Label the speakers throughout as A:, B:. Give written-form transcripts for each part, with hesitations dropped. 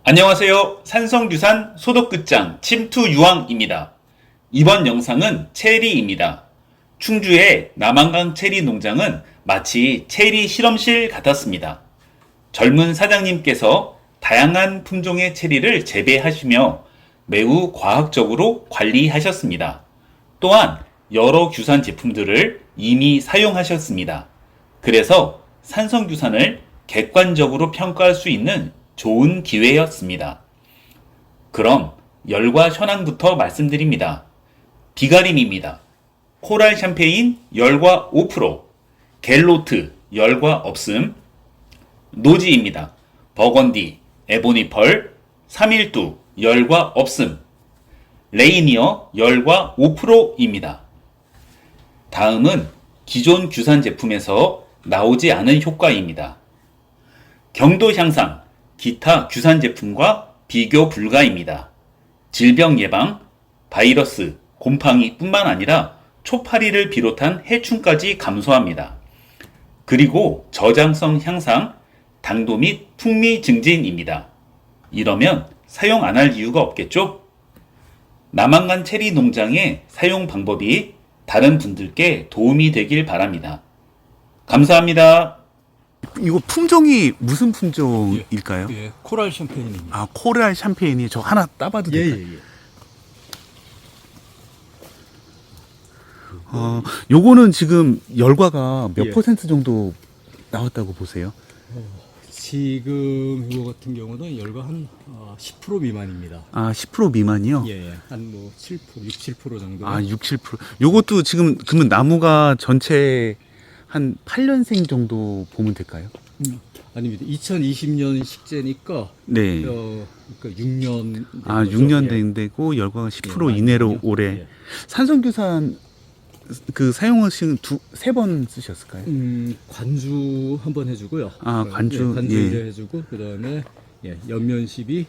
A: 안녕하세요. 산성규산 소독끝장 침투유황입니다. 이번 영상은 체리입니다. 충주의 남한강 체리 농장은 마치 체리 실험실 같았습니다. 젊은 사장님께서 다양한 품종의 체리를 재배하시며 매우 과학적으로 관리하셨습니다. 또한 여러 규산 제품들을 이미 사용하셨습니다. 그래서 산성규산을 객관적으로 평가할 수 있는 좋은 기회였습니다. 그럼 열과 현황부터 말씀드립니다. 비가림입니다. 코랄 샴페인 열과 5%, 갤로트 열과 없음, 노지입니다. 버건디, 에보니펄, 312 열과 없음, 레이니어 열과 5%입니다. 다음은 기존 규산 제품에서 나오지 않은 효과입니다. 경도 향상, 기타 규산 제품과 비교 불가입니다. 질병 예방, 바이러스, 곰팡이 뿐만 아니라 초파리를 비롯한 해충까지 감소합니다. 그리고 저장성 향상, 당도 및 풍미 증진입니다. 이러면 사용 안 할 이유가 없겠죠? 남한강 체리 농장의 사용 방법이 다른 분들께 도움이 되길 바랍니다. 감사합니다.
B: 이거 품종이 무슨 품종일까요?
C: 예, 코랄 샴페인입니다.
B: 아, 코랄 샴페인이 저 하나 따봐도 될까요?
C: 예.
B: 요거는 지금 열과가 몇
C: 예.
B: 퍼센트 정도 나왔다고 보세요?
C: 지금 이거 같은 경우는 열과 한 10% 미만입니다.
B: 아, 10% 미만이요?
C: 예, 한 뭐 7%, 6, 7% 정도.
B: 아, 6, 7%. 요것도 지금 그러면 나무가 전체 한 8년생 정도 보면 될까요?
C: 아닙니다. 2020년 식재니까
B: 네.
C: 그러니까 6년.
B: 아, 6년 된 데고 열과가 10%
C: 예,
B: 이내로
C: 맞거든요.
B: 올해.
C: 예.
B: 산성규산 그 사용하신 세 번 쓰셨을까요?
C: 관주 한번 해주고요.
B: 아, 관주,
C: 관주
B: 예.
C: 1회 해주고 그다음에 연면십이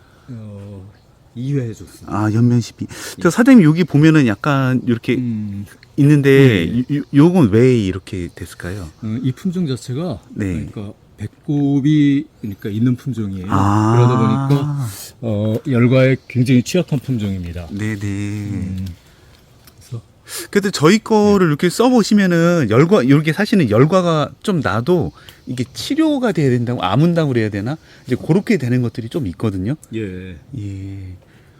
C: 2회 해줬습니다.
B: 아, 연면십이. 저 사장님 여기 보면은 약간 이렇게 있는데 요건 왜 이렇게 됐을까요?
C: 이 품종 자체가
B: 네.
C: 그러니까 배꼽이 그러니까 있는 품종이에요.
B: 아.
C: 그러다 보니까 열과에 굉장히 취약한 품종입니다.
B: 네네.
C: 그래서
B: 그래도 저희 거를 이렇게 써보시면은 열과 이렇게 사실은 열과가 좀 나도 이게 치료가 돼야 된다고 아문다고 그래야 되나? 이제 그렇게 되는 것들이 좀 있거든요.
C: 예,
B: 예.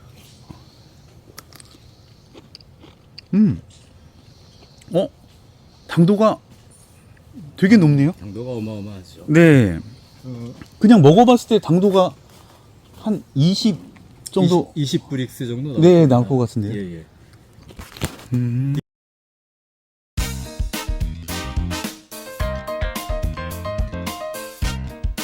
B: 당도가 되게 높네요.
C: 당도가 어마어마하죠.
B: 네. 그냥 먹어봤을 때 당도가 한 20 정도
C: 20브릭스 정도
B: 네, 나올 것 같은데요.
C: 예.